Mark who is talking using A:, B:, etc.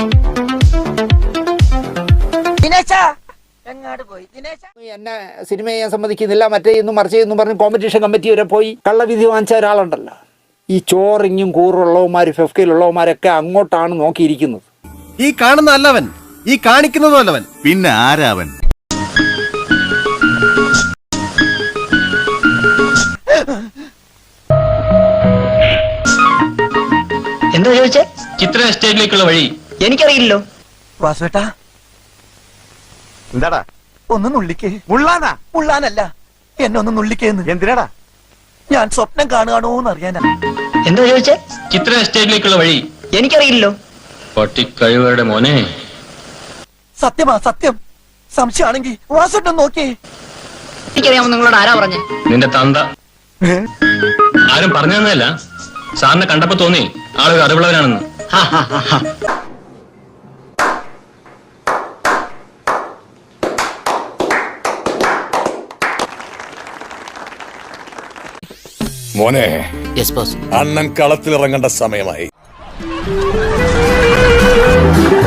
A: എന്നെ സിനിമ ചെയ്യാൻ സമ്മതിക്കുന്നില്ല, മറ്റേ ഇന്നും മറിച്ച് എന്നും പറഞ്ഞ് കോമ്പറ്റീഷൻ കമ്മിറ്റി വരെ പോയി കള്ളവിധി വാങ്ങിച്ച ഒരാളുണ്ടല്ലോ. ഈ ചോറിങ്ങും കൂറുള്ളവന്മാർ ഫെഫ്കയിലുള്ളവന്മാരൊക്കെ അങ്ങോട്ടാണ് നോക്കിയിരിക്കുന്നത്.
B: ഈ കാണുന്ന അല്ലവൻ, ഈ കാണിക്കുന്നതും അല്ലവൻ,
C: പിന്നെ ആരാവൻ?
D: എന്താ ചോദിച്ചേ?
E: ചിത്ര എസ്റ്റേറ്റിലേക്കുള്ള വഴി
D: എനിക്കറിയില്ലോ.
F: വാസുവേട്ടാ,
B: എന്താടാ
F: ഒന്ന് നുള്ളിക്കേ.
B: മുള്ളാനാ?
F: മുള്ളാനല്ല, എന്നെ ഒന്ന് നുള്ളിക്കേന്ന്.
B: എന്തിനാടാ?
F: ഞാൻ സ്വപ്നം കാണുകയാണോന്ന് അറിയാനാ.
D: എന്താ ചോദിച്ചേ?
E: ചിത്ര എസ്റ്റേറ്റിലേക്കുള്ള വഴി
D: എനിക്കറിയില്ലോ.
E: പട്ടിക്കഴിവരുടെ മോനെ.
F: സത്യമാ സത്യം. സംശയമാണെങ്കിൽ വാസുവേട്ടൻ നോക്കിയേ.
D: എനിക്കറിയാമോ നിങ്ങളോട് ആരാ പറഞ്ഞേ?
E: നിന്റെ തന്ത. ആരും പറഞ്ഞു തന്നതല്ല, സാറിനെ കണ്ടപ്പോ തോന്നി ആളൊരു അറിവുള്ളവനാണെന്ന്.
G: മോനെ, അണ്ണൻ കളത്തിലിറങ്ങേണ്ട സമയമായി.